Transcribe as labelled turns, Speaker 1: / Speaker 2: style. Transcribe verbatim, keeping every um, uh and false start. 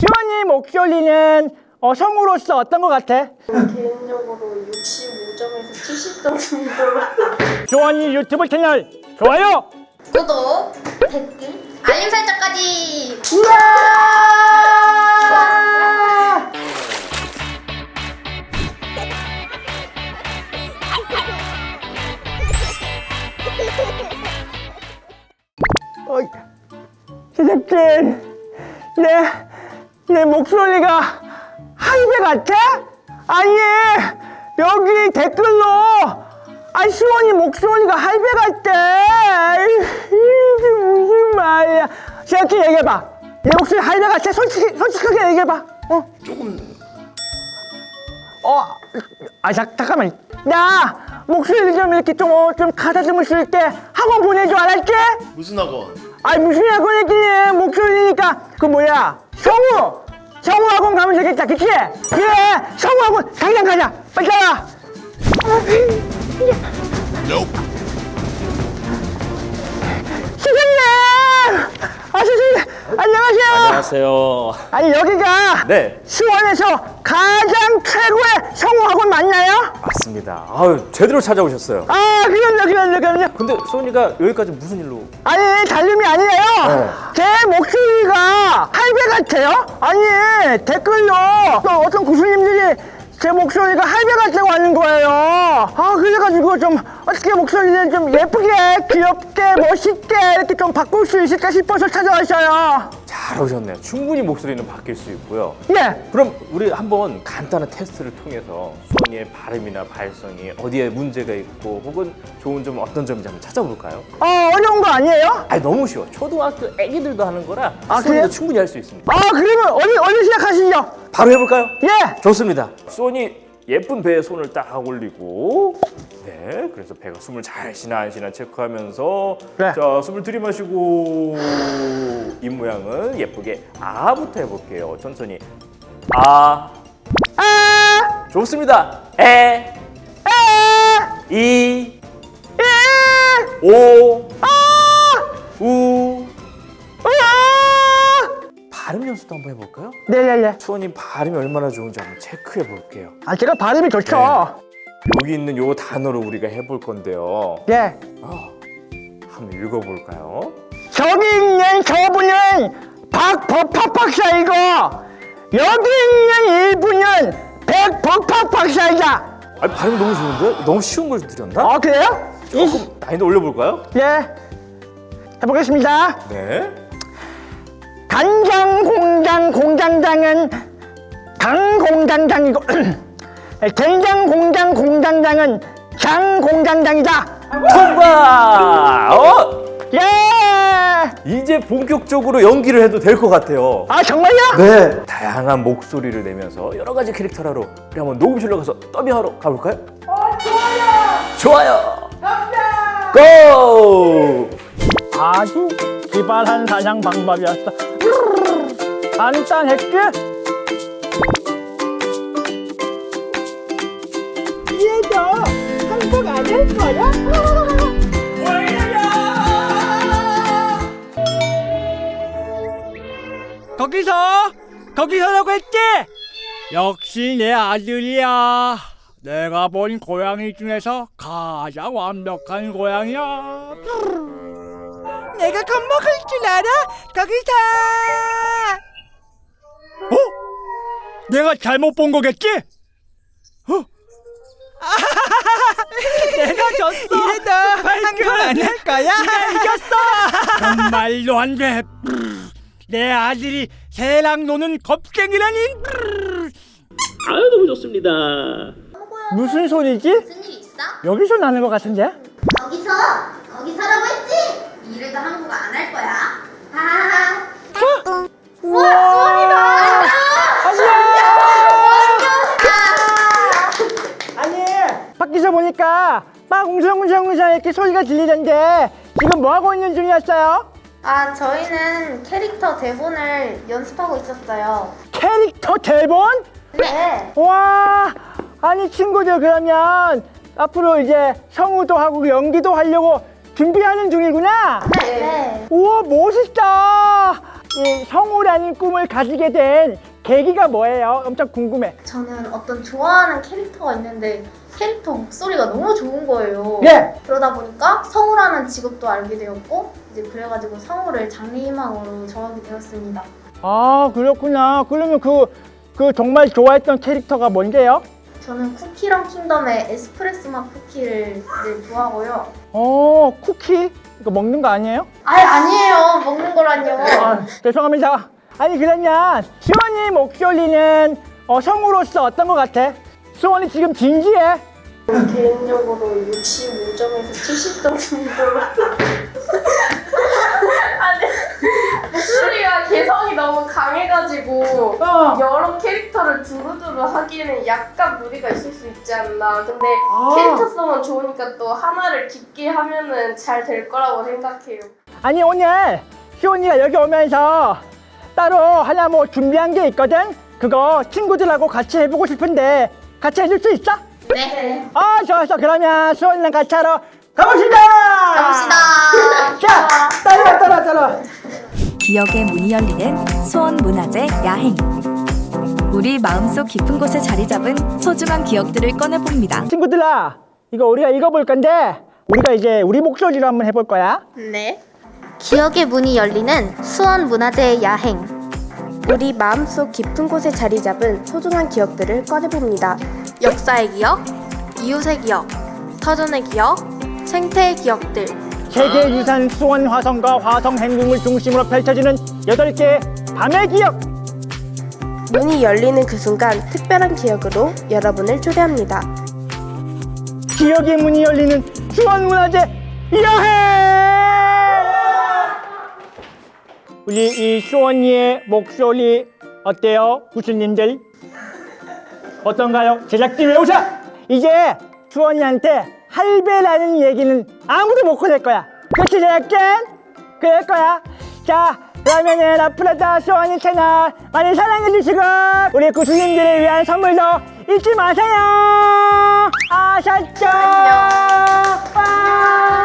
Speaker 1: 시원이 목소리는 어, 성우로서 어떤 것 같아?
Speaker 2: 개인적으로 육십오 점에서 칠십 점 정도로.
Speaker 1: 시원이 유튜브 채널 좋아요!
Speaker 3: 구독, 댓글, 알림 설정까지.
Speaker 1: 어, 제작진, 내, 내 목소리가 한배 같아? 아니, 여기 댓글로, 아, 시원이 목소리가 할배 같대. 이게 무슨 말이야. 제작진 얘기해봐. 내 목소리 할배 같아? 솔직히, 솔직하게 얘기해봐. 어?
Speaker 4: 조금
Speaker 1: 어, 아, 자, 잠깐만. 나 목소리 좀 이렇게 좀, 어, 좀 가다듬을 수 있게 학원 보내줘, 알았지?
Speaker 4: 무슨 학원?
Speaker 1: 아니 무슨 학원이지? 목소리니까 그 뭐야 성우! 성우 학원 가면 되겠다, 그치? 그래, 성우 학원 당장 가자. 빨리 가라. 선생님! 아, 선생님 안녕하세요.
Speaker 4: 안녕하세요.
Speaker 1: 아니 여기가
Speaker 4: 네.
Speaker 1: 수원에서 가장 최고의 성우 학원 맞나요?
Speaker 4: 맞습니다. 아유, 제대로 찾아오셨어요.
Speaker 1: 아, 그럼요, 그럼요, 그럼요.
Speaker 4: 근데 소은이가 여기까지 무슨 일로?
Speaker 1: 아니 달림이 아니에요.
Speaker 4: 네.
Speaker 1: 제 목소리가 할배 같아요. 아니 댓글로 또 어떤 교수님들이 제 목소리가 할배 같다고 하는 거예요. 아, 그래가지고 좀 어떻게 목소리를 좀 예쁘게 귀엽게 멋있게 이렇게 좀 바꿀 수 있을까 싶어서 찾아왔어요.
Speaker 4: 잘 오셨네요. 충분히 목소리는 바뀔 수 있고요.
Speaker 1: 예.
Speaker 4: 그럼 우리 한번 간단한 테스트를 통해서 소은이의 발음이나 발성이 어디에 문제가 있고 혹은 좋은 점 어떤 점인지 한번 찾아볼까요?
Speaker 1: 어, 어려운 거 아니에요?
Speaker 4: 아니 너무 쉬워. 초등학교 애기들도 하는 거라
Speaker 1: 아,
Speaker 4: 소은이도
Speaker 1: 그래요?
Speaker 4: 충분히 할 수 있습니다.
Speaker 1: 아, 그러면 어디 어디 시작하시죠?
Speaker 4: 바로 해볼까요?
Speaker 1: 예.
Speaker 4: 좋습니다. 소은이 예쁜 배에 손을 딱 올리고, 네, 그래서 배가 숨을 잘 쉬나 안 쉬나 체크하면서,
Speaker 1: 네.
Speaker 4: 자, 숨을 들이마시고, 입 모양은 예쁘게 아부터 해볼게요. 천천히. 아,
Speaker 1: 아,
Speaker 4: 좋습니다. 에,
Speaker 1: 아,
Speaker 4: 이,
Speaker 1: 예,
Speaker 4: 오,
Speaker 1: 아,
Speaker 4: 우.
Speaker 1: 아.
Speaker 4: 발음 연습도 한번 해볼까요?
Speaker 1: 네네네.
Speaker 4: 수원이 발음이 얼마나 좋은지 한번 체크해 볼게요.
Speaker 1: 아, 제가 발음이 좋죠.
Speaker 4: 여기 있는 요 단어로 우리가 해볼 건데요.
Speaker 1: 네.
Speaker 4: 아, 한번 읽어볼까요?
Speaker 1: 저기 있는 저분은 박법학 박사이고 여기 있는 이분은 백법학 박사이다.
Speaker 4: 아, 발음 너무 좋은데? 너무 쉬운 걸 드렸나?
Speaker 1: 아, 그래요?
Speaker 4: 조금 난이도 올려볼까요?
Speaker 1: 네. 해보겠습니다.
Speaker 4: 네.
Speaker 1: 간장 공장 공장장은 강 공장장이고 된장 공장 공장장은 장 공장장이다.
Speaker 4: 통과! 어?
Speaker 1: 예.
Speaker 4: 이제 본격적으로 연기를 해도 될 것 같아요.
Speaker 1: 아, 정말요?
Speaker 4: 네. 다양한 목소리를 내면서 여러 가지 캐릭터를 하러 우리 한번 녹음실로 가서 더빙하러 가볼까요?
Speaker 1: 어, 좋아요.
Speaker 4: 좋아요.
Speaker 1: 갑니다.
Speaker 4: 고!
Speaker 1: 아주 기발한 사냥 방법이었어. 간단했지? 얘도 한국 안 할 거야? 거기서 거기서라고 했지? 역시 내 아들이야. 내가 본 고양이 중에서 가장 완벽한 고양이야. 내가 겁먹을 줄 알아? 거기서. 어? 내가 잘못 본 거겠지? 어? 내가 졌어. 이래도 한국 안 할 거야? 내가 이겼어. 정말로 안 돼. 내 아들이 새랑 노는 겁쟁이라니.
Speaker 5: 아유 너무 좋습니다.
Speaker 1: 무슨 소리지?
Speaker 3: 무슨 일 있어?
Speaker 1: 여기서 나는 것 같은데?
Speaker 3: 거기서 거기서라고 했지? 이래도 한국어 안 할 거야. 하하하.
Speaker 1: 우와! 아니, 밖에서 보니까 막 웅성웅성웅성 이렇게 소리가 들리던데 지금 뭐 하고 있는 중이었어요?
Speaker 2: 아, 저희는 캐릭터 대본을 연습하고 있었어요.
Speaker 1: 캐릭터 대본?
Speaker 2: 네.
Speaker 1: 와, 아니 친구들 그러면 앞으로 이제 성우도 하고 연기도 하려고 준비하는 중이구나?
Speaker 2: 네.
Speaker 1: 우와, 멋있다. 이 성우라는 꿈을 가지게 된 계기가 뭐예요? 엄청 궁금해.
Speaker 2: 저는 어떤 좋아하는 캐릭터가 있는데 캐릭터 목소리가 너무 좋은 거예요.
Speaker 1: 예.
Speaker 2: 그러다 보니까 성우라는 직업도 알게 되었고 이제 그래가지고 성우를 장래희망으로 정하게 되었습니다.
Speaker 1: 아 그렇구나. 그러면 그, 그 정말 좋아했던 캐릭터가 뭔데요?
Speaker 2: 저는 쿠키랑 킹덤의 에스프레소 맛 쿠키를 이제 좋아하고요.
Speaker 1: 어 쿠키? 이거 먹는 거 아니에요?
Speaker 2: 아 아니에요. 먹는 거란요.
Speaker 1: 아, 죄송합니다. 아니 그러면 수원이 목소리는 어, 성우로서 어떤 것 같아? 수원이 지금 진지해.
Speaker 2: 개인적으로 육십오 점에서 칠십 점 정도로. 아니 목소리가 개성이 너무 강해가지고
Speaker 1: 어.
Speaker 2: 여러 캐릭터를 두루두루 하기에는 약간 무리가 있을 수 있지 않나. 근데
Speaker 1: 아.
Speaker 2: 캐릭터성은 좋으니까 또 하나를 깊게 하면은 잘 될 거라고 생각해요.
Speaker 1: 아니 오늘 수원이가 여기 오면서 따로 하나 뭐 준비한 게 있거든? 그거 친구들하고 같이 해보고 싶은데 같이 해줄 수 있어?
Speaker 2: 네.
Speaker 1: 아 좋았어. 그러면 수원이랑 같이 하러 가봅시다.
Speaker 3: 갑시다.
Speaker 1: 자 따라와 따라와 따라와.
Speaker 6: 기억의 문이 열리는 수원문화재 야행. 우리 마음속 깊은 곳에 자리 잡은 소중한 기억들을 꺼내봅니다.
Speaker 1: 친구들아 이거 우리가 읽어볼 건데 우리가 이제 우리 목소리로 한번 해볼 거야.
Speaker 2: 네.
Speaker 7: 기억의 문이 열리는 수원문화재의 야행. 우리 마음속 깊은 곳에 자리 잡은 소중한 기억들을 꺼내봅니다. 역사의 기억, 이웃의 기억, 터전의 기억, 생태의 기억들.
Speaker 1: 세계유산 수원 화성과 화성 행궁을 중심으로 펼쳐지는 여덟 개의 밤의 기억.
Speaker 7: 문이 열리는 그 순간 특별한 기억으로 여러분을 초대합니다.
Speaker 1: 기억의 문이 열리는 수원문화재 여행. 우리 이 수원이의 목소리 어때요? 구슬님들 어떤가요? 제작진 왜 웃어? 이제 수원이한테 할배라는 얘기는 아무도 못 꺼낼 거야. 그치 제작진? 그럴 거야. 자 그러면은 앞으로도 수원이 채널 많이 사랑해주시고 우리 구슬님들을 위한 선물도 잊지 마세요. 아셨죠? 안녕.